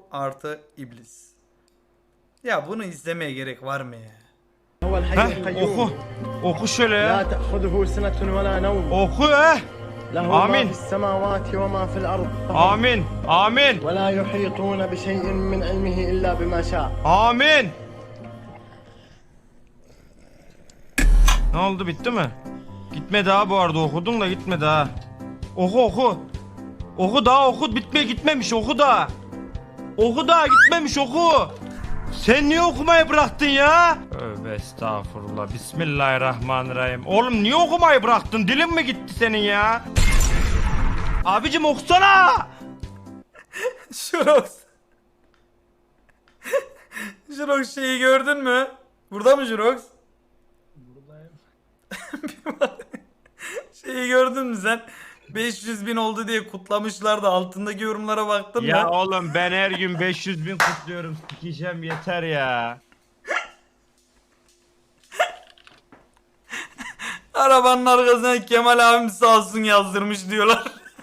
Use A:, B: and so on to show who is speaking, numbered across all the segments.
A: artı iblis. Ya bunu izlemeye gerek var mı ya?
B: Oku. Oku şöyle
C: لا
B: ya.
C: تأخذه سنة ولا نوم
B: Oku he.
C: له ما
B: آمين.
C: في السماوات وما في الأرض
B: Amin. Amin.
C: ولا يحيطون بشيء من علمه إلا بما شاء.
B: Amin. Ne oldu, bitti mi? Gitmedi ha, bu arada okudun da gitmedi ha. Oku oku. Oku daha, oku, gitmemiş, oku daha. Oku daha, gitmemiş, oku. Sen niye okumayı bıraktın ya? Tövbe estağfurullah. Bismillahirrahmanirrahim. Oğlum niye okumayı bıraktın? Dilin mi gitti senin ya? Abicim okusana.
A: Jurox. Jurox şeyi gördün mü? Burada mı Jurox? Buradayım. Şeyi gördün mü sen? 500.000 oldu diye kutlamışlar da altındaki yorumlara baktın mı?
B: Ya oğlum ben her gün 500.000 kutluyorum. Sikeceğim yeter ya.
A: Arabanın arkasına Kemal abim sağ olsun yazdırmış diyorlar.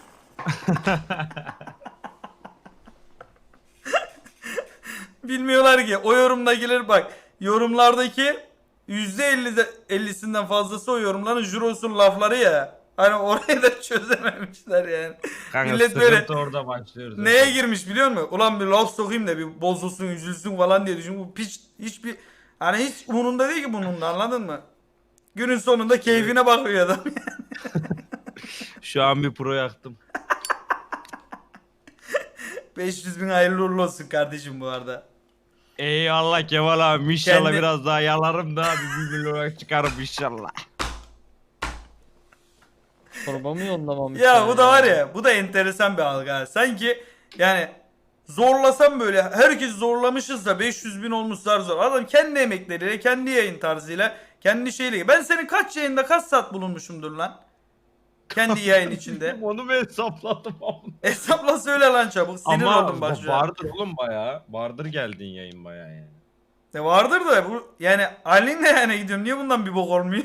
A: Bilmiyorlar ki o yorumdakiler, bak yorumlardaki %50'sinden fazlası o yorumların Juros'un lafları ya. Hani orayı da çözememişler yani.
B: Kanka
A: Millet böyle
B: sıkıntı orada başlıyoruz.
A: neye girmiş biliyor musun? Ulan bir laf sokayım da bir bozulsun, üzülsün falan diye düşün. Bu piç hiçbir, hani hiç umurunda değil ki bunun da, anladın mı? Günün sonunda keyfine bakıyor adam.
B: Şu an bir pro yaktım.
A: 500.000 hayırlı uğurlu olsun kardeşim bu arada.
B: Eyvallah Kemal abi, inşallah
A: Kendi-
B: biraz daha yalarım da bir milyon çıkarım inşallah.
D: Çorba mı yollamamış?
A: Ya bu da var ya, bu da enteresan bir algı ha. Sanki yani zorlasam böyle, herkes zorlamışız da 500.000 olmuş zar zor. Adam kendi emekleriyle, kendi yayın tarzıyla, kendi şeyle. Ben senin kaç yayında kaç saat bulunmuşumdur lan? Kendi yayın içinde.
B: Onu mu hesapladım ama.
A: Hesapla söyle lan çabuk. Sinir
B: Ama
A: oldum bak şu an.
B: vardır oğlum bayağı. Vardır geldiğin yayın bayağı yani.
A: Vardır da bu yani Ali'nin de yani gidiyorum. Niye bundan bir bok olmuyor?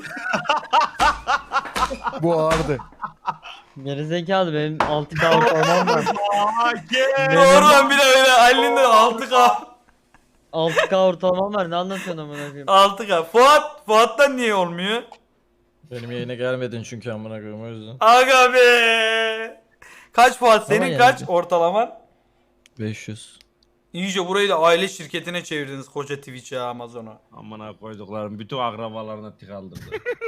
E: Bu ağırdı.
D: Gerizekalı, benim 6K ortalamam var.
A: Doğru lan, bir de öyle Ali'nin de 6K.
D: 6K ortalamam var, ne anlatıyorsun amına koyayım?
A: 6K. Fuat'tan niye olmuyor?
E: Benim yayına gelmedin çünkü amına koyayım, o yüzden.
A: Aga be. Kaç Fuat senin,
D: yani.
A: kaç ortalaman?
E: 500.
A: İyice burayı da aile şirketine çevirdiniz, koca Twitch'e, Amazon'a.
B: Amına koyduklarım bütün akrabalarına tık aldırdı.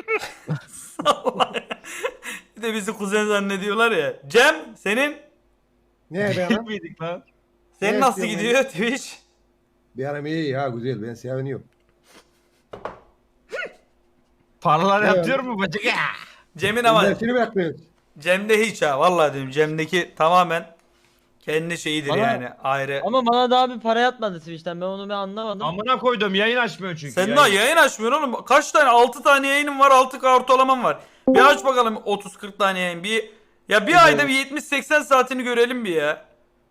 A: Bir de bizi kuzen zannediyorlar ya. Cem senin
F: Ne be anam?
B: Miydik lan?
A: senin
F: Ne
A: nasıl
F: istiyorsun
A: gidiyor Twitch?
F: Bir aram iyi ya, güzel, ben seviniyorum.
B: Paralar
F: Evet.
B: yatıyor mu bacık ya?
A: Cem'in ama
F: Dersini mi yapmıyorsun?
A: Cem'de hiç ha, vallahi diyorum, Cem'deki tamamen kendi şeyidir
D: Bana-
A: yani, ayrı.
D: Ama bana daha bir para yatmadı Twitch'ten, ben onu bir anlamadım.
B: Amına koydum, yayın açmıyor çünkü.
A: Sen daha yayın açmıyorsun oğlum. Kaç tane? 6 tane yayınım var, 6K ortalamam var. Bir aç bakalım 30-40 tane yayın. Bir ayda bir 70-80 saatini görelim bir ya.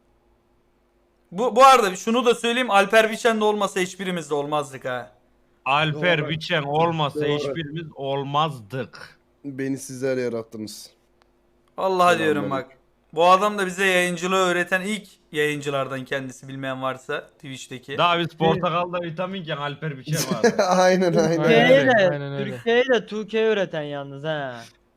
A: Bu arada şunu da söyleyeyim, Alper Biçen de olmasa hiçbirimiz de olmazdık ha.
B: Alper
F: Doğru.
B: Biçen olmasa
F: Doğru.
B: hiçbirimiz olmazdık.
G: Beni sizler yarattınız.
A: Vallahi diyorum
G: Selamünaleyküm.
A: bak. Bu adam da bize yayıncılığı öğreten ilk yayıncılardan, kendisi, bilmeyen varsa Twitch'teki.
B: Daha biz portakalda vitaminken Alper Biçen vardı.
G: aynen aynen.
D: Türkiye'yi
E: Aynen
D: de,
E: aynen öyle.
D: Türkiye'yi de 2K üreten yalnız ha.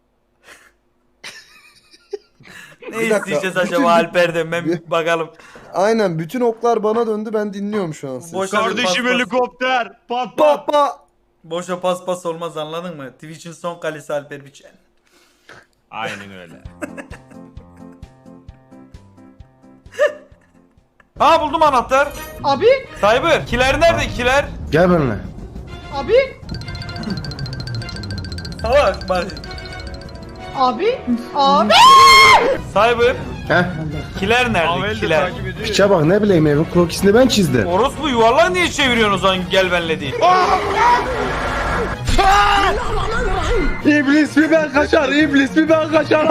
A: Ne
G: Bir dakika,
A: isteyeceğiz
G: bütün-
A: acaba Alper'den, ben bir bakalım.
G: Aynen, bütün oklar bana döndü, ben dinliyorum şu an sizi.
A: Boş-
B: Kardeşim
A: Pas-
B: helikopter. Pat pat.
G: Baba.
A: Boşa paspas olmaz, anladın mı? Twitch'in son kalesi Alper Biçen.
B: Aynen öyle.
A: Ha, buldum anahtar.
H: Abi,
A: Cyber, kiler nerede, kiler?
G: Gel benimle.
H: abi,
A: Salak bak.
H: abi, abi.
A: Cyber,
G: Heh.
A: kiler nerede,
B: Avel de
A: kiler?
B: takip ediyor.
G: Piçe bak, ne bileyim, evin krokisini ben çizdim.
A: Orospu yuvarlağı niye çeviriyorsun o zaman, gel benle değil.
E: İblis mi ben kaçar, iblis mi ben kaçar.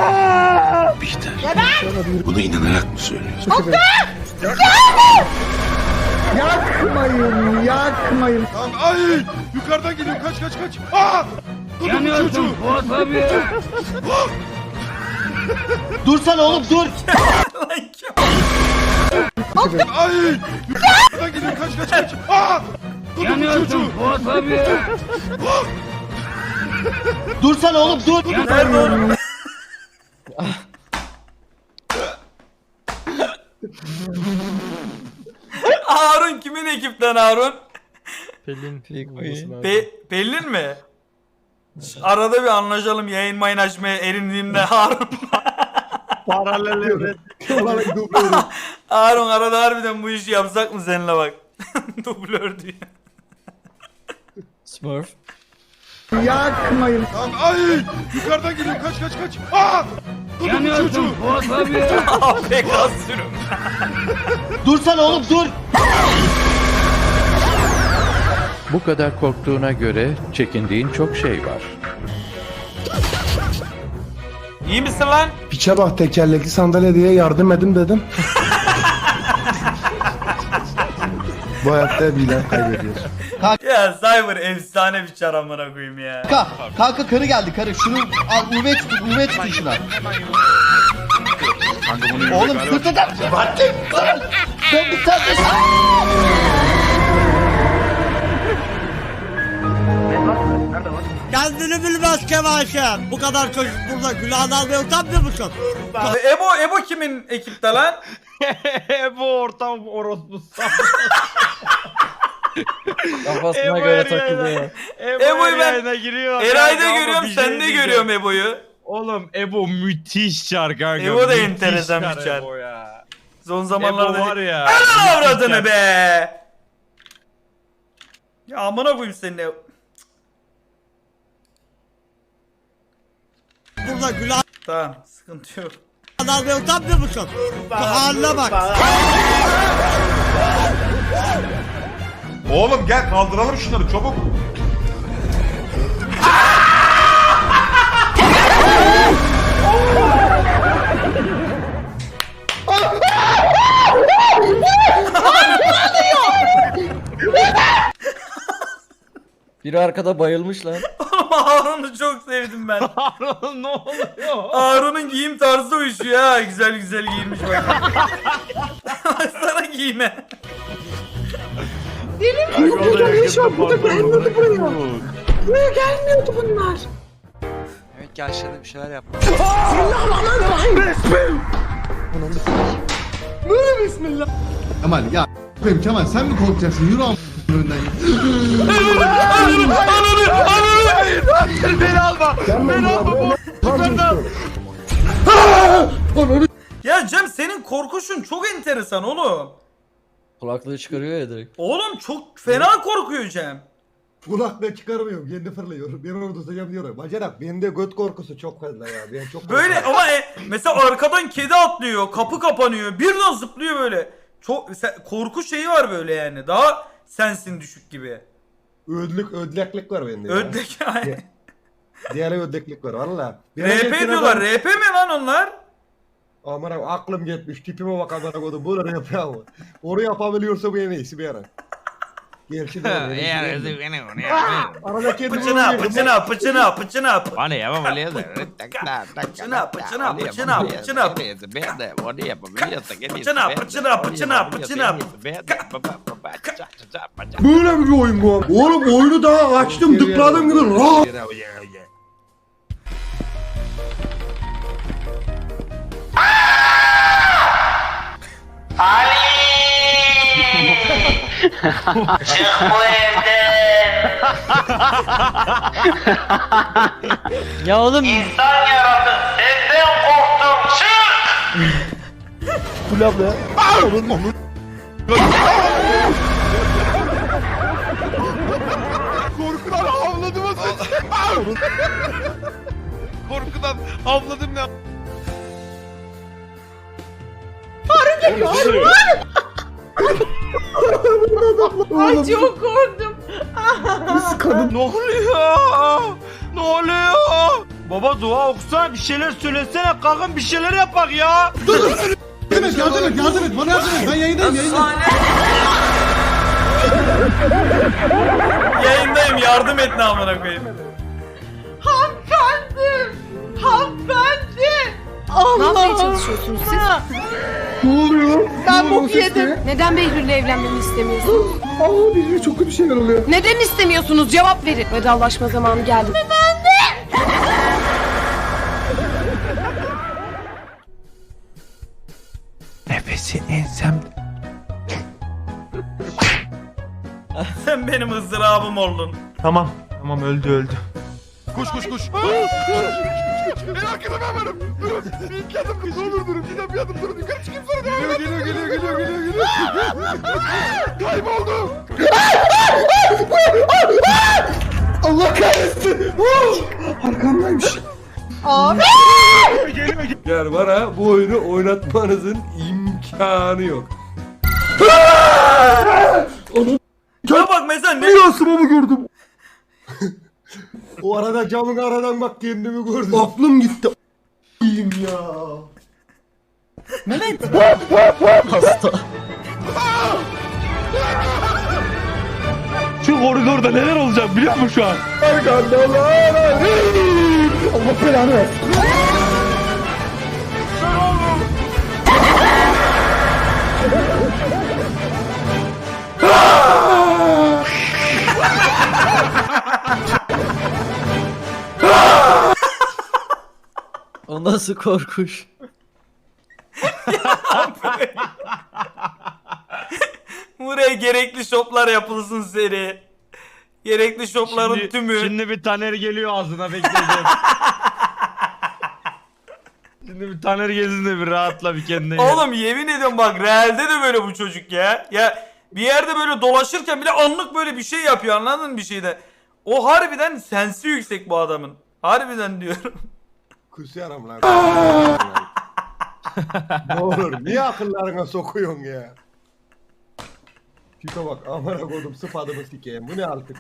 I: Bunu inanarak mı söylüyorsun?
F: Yakmayın, yakmayın.
I: Ay! Yukarıdan geliyor, kaç kaç kaç! Aa! Yanıyorsun Fuat abi!
E: Dursana oğlum, dur.
A: Lan kim?
I: Ay! Yukarıdan geliyor kaç kaç. Aa! Yanıyorsun Fuat abi.
C: Dursana oğlum dur.
A: Nerede oğlum? Harun kimin ekipten Harun?
E: Pelin.
A: Pelin mi? Arada bir anlaşalım yayın mayın açmaya erindiğimde Harun.
F: Vallahi dublörüm.
A: Harun arada harbiden bu işi yapsak mı seninle bak. Dublör diyor.
E: Smurf.
F: Yakmayın.
I: Tamam ay! Yukarıdan geliyor kaç kaç. Aa! Yanıyorsun Fuat abi.
A: AFK sürüm.
C: Dursana oğlum dur.
J: Bu kadar korktuğuna göre çekindiğin çok şey var.
A: İyi misin lan?
F: Piçe bak tekerlekli sandalye diye yardım edin dedim. Bu hayatta bilen kaybediyor.
A: Ya Cyber efsane bir çar amına koyayım ya.
C: Kanka karı geldi karı. Şunu al UV tutun şuna. Oğlum sırtından. Ben bir tane.
H: Kendini bilmez Kemal'cim. Bu kadar çocuk burada günahını almaya utanmıyor musun?
A: Ebo kimin ekipte lan?
B: Bu ortam orospu.
E: Kafasına göre takılıyor.
A: Ebo'yu ben
B: yayına giriyor.
A: Eray'da
B: Kanka, ama
A: görüyorum,
B: bir şey
A: sende
B: diyeceğim.
A: görüyorum Ebo'yu.
B: Oğlum Ebo müthiş çar kanka.
A: Ebo da
B: müthiş
A: enteresan bir çar.
B: Ebo ya.
A: Son zamanlarda
B: Ebo var ya.
A: Ana avradını
B: müthiş
A: be. Ya amına koyayım senin ev.
H: Burada günahını
A: Tamam, sıkıntı yok.
H: almaya utanmıyor musun? Bu haline bak.
I: Oğlum gel kaldıralım şunları çabuk.
E: Biri arkada bayılmış lan.
A: Harun'u çok sevdim ben.
B: Harun ne oluyor?
A: Harun'un giyim tarzı uyuşuyor ha. Güzel güzel giyinmiş bak. Baksana giyime.
K: Evet gel aşağıda bir şeyler yap.
F: Kemal ya. Kemal sen mi korkacaksın? Yürü am önünden.
I: Beni alma. Beni alma. Yukarıdan.
A: Ya Cem senin korkuşun çok enteresan oğlum.
E: Kulaklığı çıkarıyor ya direkt.
A: Oğlum çok fena korkuyor Cem.
F: Kulaklığı çıkarmıyorum. Kendi fırlıyorum. Ben orada tutacağım diyorum. Bacanak bende göt korkusu çok fazla ya. Ben çok
A: Böyle
F: korkuyorum.
A: ama mesela arkadan kedi atlıyor, kapı kapanıyor, birden zıplıyor böyle. Çok korku şeyi var böyle yani. Daha sensin düşük gibi.
F: Ödleklik var bende. ya.
A: Ödlek yani.
F: Diğer ödleklik var valla.
A: RP diyorlar. RP mi lan onlar?
F: Aman abi aklım gitmiş. Tipime bak amına koydum. Bunu RP ama. Onu yapabiliyorsa bu en iyisi bir ara. Gel şimdi. Arada kedi
A: Pıçına pıçına pıçına pıçına.
B: Bana yapamayız.
A: Pıçına pıçına pıçına pıçına.
F: Böyle bir oyun bu. Oğlum oyunu daha açtım tıkladım gibi. Rahat.
D: Ya oğlum
I: Korkudan havladım az önce. Korkudan havladım ne?
H: Ay çok korktum.
B: Ne oluyor? Ne oluyor? Baba dua okusana bir şeyler söylesene kalkın bir şeyler yapak ya.
F: Yardım et bana yardım et. Ben yayındayım.
A: Yayındayım yardım et ne amına koyayım.
H: Hanımefendi. Hanımefendi. Allah. Ne yapmaya çalışıyorsunuz siz?
G: Ne oluyor?
L: Ben bok yedim. Neden Behlül'le evlenmemi istemiyorsunuz?
G: Aa bir çok kötü şeyler oluyor.
L: Neden istemiyorsunuz? Cevap verin. Vedalaşma zamanı geldi.
J: Nefesi ensem.
A: Sen benim ızdırabım oldun.
B: Tamam. Tamam öldü.
I: Koş. En arkada ben varım. Durun. Bir iki adım ne olur durun. Bir adım durun. Yukarı çıkayım sonra devam edin. Geliyor. Kayboldu.
G: Allah kahretsin. Arkamdaymış.
L: Abi.
F: Yani bana bu oyunu oynatmanızın imkanı yok.
A: Ya bak mesela ne?
G: Rüyasımı mı gördüm?
F: O arada camın aradan bak kendimi gördüm.
G: Aklım gitti. İyiyim ya.
B: Şu koridorda neler olacak biliyor musun şu an?
G: Allah belanı versin.
E: O nasıl korkuş?
A: Buraya gerekli şoplar yapılsın seri. Gerekli şopların tümü.
B: Şimdi bir Taner geliyor ağzına bekleyeceğim. Şimdi bir Taner gelsin de bir rahatla bir kendine gel.
A: Oğlum yemin ediyorum bak realde de böyle bu çocuk ya. Ya bir yerde böyle dolaşırken bile anlık böyle bir şey yapıyor, anladın mı bir şeyde. O harbiden sensi yüksek bu adamın. Harbiden diyorum.
F: Kusuyorum lan. Ne olur niye akıllarına sokuyorsun ya? Tipe bak amına koydum sıfadımı sikeyim. Bu ne artık?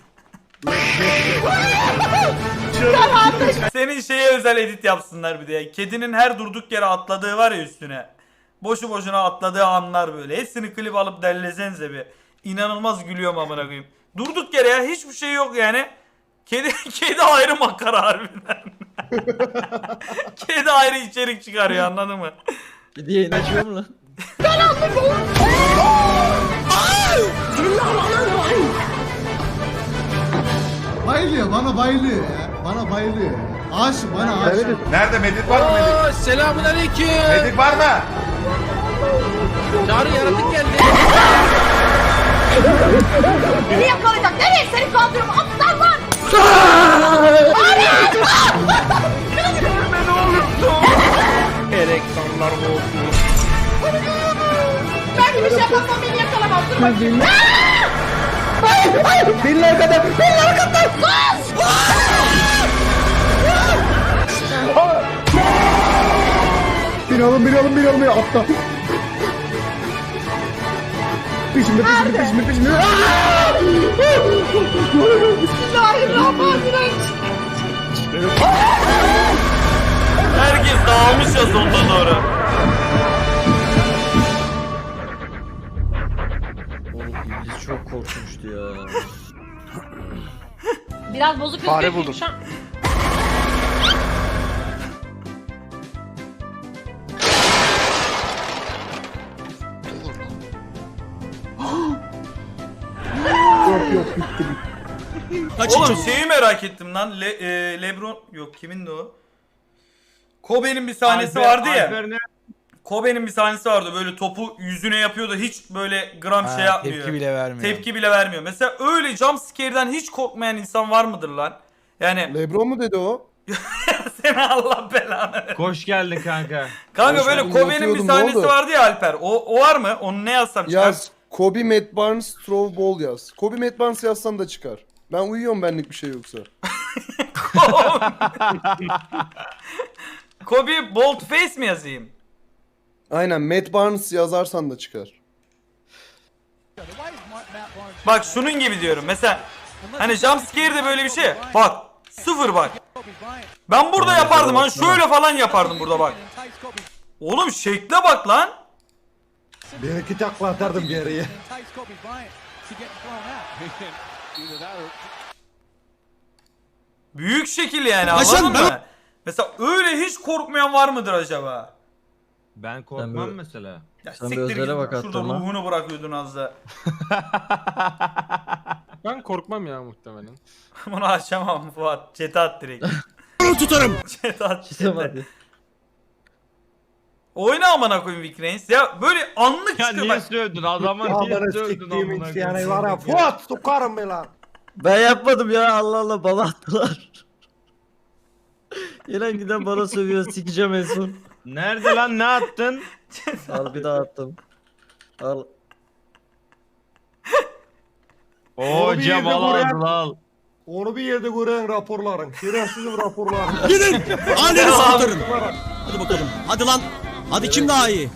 A: Senin şeye özel edit yapsınlar bir de. Kedinin her durduk yere atladığı var ya üstüne. Boşu boşuna atladığı anlar böyle. Hepsini klip alıp derlesenize bir. İnanılmaz gülüyorum amına koyayım. Durduk yere ya hiçbir şey yok yani. Kedi ayrı makara harbiden. Kedi ayrı içerik çıkarıyor, anladın mı?
E: Bir diye açıyor mu lan?
H: Bayılıyor bana bayılıyor ya. Bana bayılıyor. Aşık bana aşık.
I: Nerede medik var mı medik?
E: Selamun aleyküm.
I: Medik var mı?
E: Çağrı yaratık geldi.
L: Beni yakalayacak. Nereye? Seni kaldırıyorum. Aptal lan.
B: Ereksanlar olsun.
L: Ben bir şey yapamam. Beni yakalamaz. Dur bakayım.
G: Benim arkada. Benim arkada. Beni alın. Atla. Peşimde.
L: Bismillahirrahmanirrahim.
A: Herkes dağılmış ya sonuna doğru.
E: Oğlum İblis çok korkmuştu ya.
L: Biraz bozuk
K: Fare buldum.
G: Yok bitti.
A: Oğlum şeyi merak ettim lan. LeBron yok, kimindi o? Kobe'nin bir sahnesi vardı ya. Kobe'nin bir sahnesi vardı, böyle topu yüzüne yapıyordu, hiç böyle gram şey yapmıyor. Tepki bile vermiyor. Mesela öyle jumpscare'den hiç korkmayan insan var mıdır lan? Yani
G: Lebron mu dedi o?
A: seni Allah belanı.
B: Hoş geldin kanka.
A: Kanka
G: Hoş
A: böyle
G: geldin,
A: Kobe'nin bir
G: yatıyordum, ne
A: sahnesi
G: oldu?
A: vardı ya Alper. O var mı? Onu ne yazsam çıkar?
G: Yaz. Kobe, Matt Barnes, Throw Ball yaz. Kobe, Matt Barnes yazsan da çıkar. Ben uyuyorum benlik bir şey yoksa.
A: Kobe bold face mi yazayım?
G: Aynen Matt Barnes yazarsan da çıkar.
A: Bak şunun gibi diyorum. Mesela hani jumpscare'de böyle bir şey. Bak sıfır bak. Ben burada yapardım hani şöyle falan yapardım burada bak. Oğlum şekle bak lan.
F: Bir iki takla atardım geriye.
A: Büyük şekil yani, anladın mı? Mesela öyle hiç korkmayan var mıdır acaba?
B: Ben korkmam
E: Ben böyle-
B: mesela.
A: Ya
E: Sen bir
A: siktir
E: özele
A: git.
E: bak
A: Şurada
E: attın lan.
A: ruhunu bırakıyordun az da.
I: Ben korkmam ya muhtemelen.
A: Bunu açamam Fuat. Chat'e at direkt.
I: Tutarım.
A: Chat'e at.
E: Çıkamadı.
A: Oyna amına koyayım Vikrens. Ya böyle anlık
B: Ya
A: çıkıyor
B: niye
A: bak.
B: sövdün adama niye
F: Amına
B: sövdün
F: siktiğimin
B: amına
F: yani
B: koyayım?
F: var ya. Fuat sokarım be lan.
E: Ben yapmadım ya, Allah Allah, bana attılar. Yine giden bana sövüyor, sikeceğim en son.
B: Nerede lan, ne attın?
E: Al bir daha attım. Al.
B: Oo
F: Abi,
B: Cem
F: bir de
B: al
F: buraya-
B: aldı al.
F: Onu bir yerde gören raporların. Şerefsizim raporların.
I: Gidin. Anneni saldırın. Hadi bakalım. Hadi lan. Hadi kim daha iyi?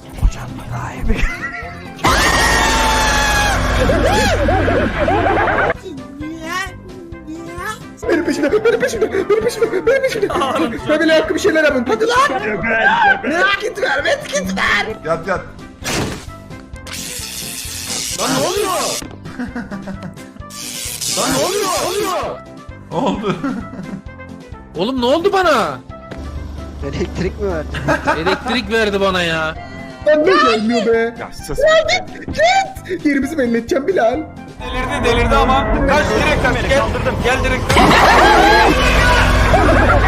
G: Benim peşimde, benim peşimde, benim peşimde, benim peşimde. Ben bile hakkı bir şeyler yapın. Hadi lan. Medkit ver, medkit ver.
I: Yat yat. Lan ne oluyor? Lan ne oluyor?
A: Oldu.
E: Oğlum ne oldu bana?
C: Elektrik mi verdi?
E: Elektrik verdi bana ya.
G: Lan ne gelmiyor be.
I: Ya sus.
G: Git. Yerimizi belli edeceğim Bilal.
A: Delirdi ama. Kaç direkt kaç. Gel. Gel direkt.